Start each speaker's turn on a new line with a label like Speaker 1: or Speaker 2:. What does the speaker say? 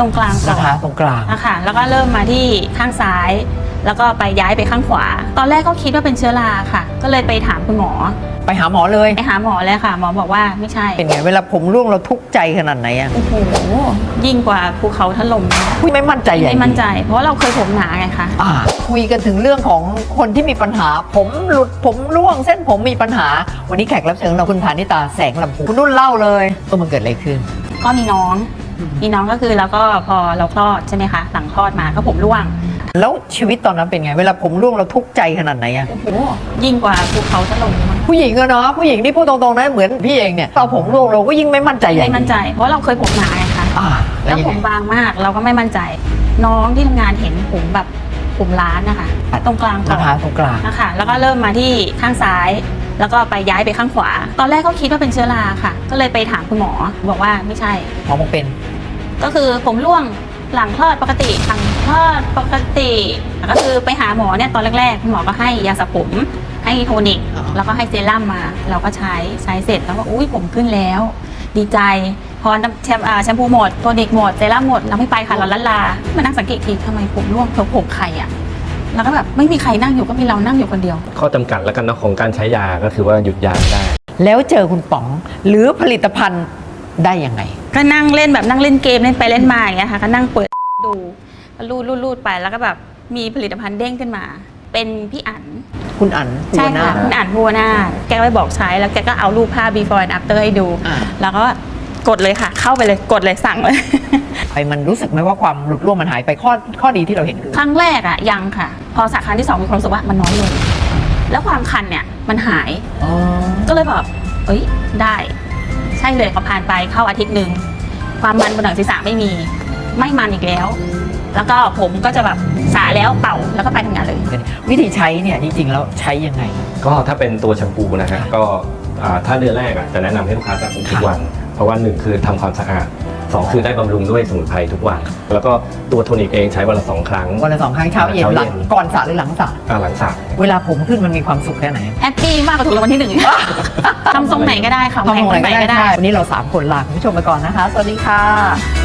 Speaker 1: รงกลางก่อน
Speaker 2: นะคะตรงกลาง
Speaker 1: นะคะแล้วก็เริ่มมาที่ข้างซ้าย แล้วก็ไปย้ายไปข้างขวา ตอนแรกก็คิดว่าเป็นเชื้อราค่ะ ก็เลยไปถามคุณหมอ
Speaker 2: ไปหาหมอเลย
Speaker 1: ไปหาหมอเลยค่ะหมอบอกว่าไม่ใช่
Speaker 2: เป็นไงเวลาผมร่วงเราทุกข์ใจขนาดไหนอะ
Speaker 1: โอ้โหยิ่งกว่าภูเขาถล่ม
Speaker 2: ไม่มั่นใจใหญ่
Speaker 1: ไม่มั่นใจเพราะเราเคยผมหนาไงคะ
Speaker 2: คุยกันถึงเรื่องของคนที่มีปัญหาผมหลุดผมร่วงเส้นผมมีปัญหาวันนี้แขกรับเชิญเราคุณพานิตาแสงลำพูคุณนุ่นเล่าเลยว่ามันเกิดอะไรขึ้น
Speaker 1: ก็มีน้องก็คือแล้วก็พอเราคลอดใช่ไหมคะหลังคลอดมาก็ผมร่วง
Speaker 2: แล้วชีวิตตอนนั้นเป็นไงเวลาผมร่วงเราทุกข์ใจขนาดไหนอะ
Speaker 1: โอ้โหยิ่งกว่าภูเขาถล่ม
Speaker 2: ผู้หญิงอะเนาะผู้หญิงที่พูดตรงๆนะเหมือนพี่เองเนี่ยเราผมร่วงเราก็ยิ่งไม่มั่นใจใหญ่
Speaker 1: ไม่มั่นใจเพราะเราเคยผมหนาไงคะแล้วผมบางมากเราก็ไม่มั่นใจน้องที่ทำงานเห็นผมแบบผมล้านนะคะตรงกลางก่อน
Speaker 2: นะคะตรงกลาง
Speaker 1: นะคะแล้วก็เริ่มมาที่ข้างซ้าย แล้วก็ไปย้ายไปข้างขวา ตอนแรกก็คิดว่าเป็นเชื้อราค่ะก็เลยไปถามคุณหมอบอกว่าไม่ใช่
Speaker 2: หมอบอกเป็น
Speaker 1: ก็คือผมร่วงหลังคลอดปกติหลังคลอดปกติก็คือไปหาหมอเนี่ยตอนแรกๆคุณหมอก็ให้ยาสระผมให้โทนิกแล้วก็ให้เซรั่มมาเราก็ใช้เสร็จแล้วก็อุ้ยผมขึ้นแล้วดีใจพอแชมพูหมดโทนิกหมดเซรั่มหมดเราไม่ไปค่ะเราละลามานั่งสังเกตทีทำไมผมร่วงผมใครอ่ะแล้วก็แบบไม่มีใครนั่งอยู่ก็มีเรานั่งอยู่คนเดียว
Speaker 3: ข้อจำกัดแล้วกันนะของการใช้ยาก็คือว่าหยุดยาได้
Speaker 2: แล้วเจอคุณป๋องหรือผลิตภัณฑ์ได้ยังไง
Speaker 1: ก็นั่งเล่นแบบนั่งเล่นเกมเล่นไปเล่นมาอย่างเงี้ยค่ะก็นั่งเปิดดูรูดไปแล้วก็แบบมีผลิตภัณฑ์เด้งขึ้นมาเป็นพี่อั๋น
Speaker 2: คุณอั๋น
Speaker 1: ใช่ค่ะคุณอั๋นบัวนาแกก็ไปบอกใช้แล้วแกก็เอารูปภาพ before and after ให้ดูแล้วก็กดเลยค่ะเข้าไปเลยกดเลยสั่งเลย
Speaker 2: มันรู้สึกไหมว่าความหลุดร่วงมันหายไปข้อดีที่เราเห็นคือ
Speaker 1: ครั้งแรกอะยังค่ะพอสักครั้งที่2มีความรู้สึกว่ามันน้อยลงแล้วความคันเนี่ยมันหายก็เลยแบบเอ้ยได้ใช่เลยพอผ่านไปเข้าอาทิตย์หนึ่งความมันบนหนังศีรษะไม่มีไม่มันอีกแล้วแล้วก็ผมก็จะแบบสระแล้วเป่าแล้วก็ไปทำงานเลย
Speaker 2: วิธีใช้เนี่ยจริงๆแล้วใช้ยังไง
Speaker 3: ก็ถ้าเป็นตัวแชมพูนะฮะก็ถ้าเดือนแรกจะแนะนำให้ลูกค้าสระผมทุกวันเพราะว่า1คือทำความสะอาด2คือได้บำรุงด้วยสมุนไพรทุกวันแล้วก็ตัวโทนิกเองใช้วันละ2 ครั้ง
Speaker 2: วันละ2 ครั้งเช้าเย็นหลังก่อนสระหรือหลังสระ
Speaker 3: หลังสระ
Speaker 2: เวลาผมขึ้นมันมีความสุขแค่ไหน
Speaker 1: แฮปปี้มากกว่าถูกรางวัลที่1ทำทรงไหนก็ได้ค่ะ
Speaker 2: ทำทรงไหนก็ได้วันนี้เรา3 คนลาคุณผู้ชมไปก่อนนะคะสวัสดีค่ะ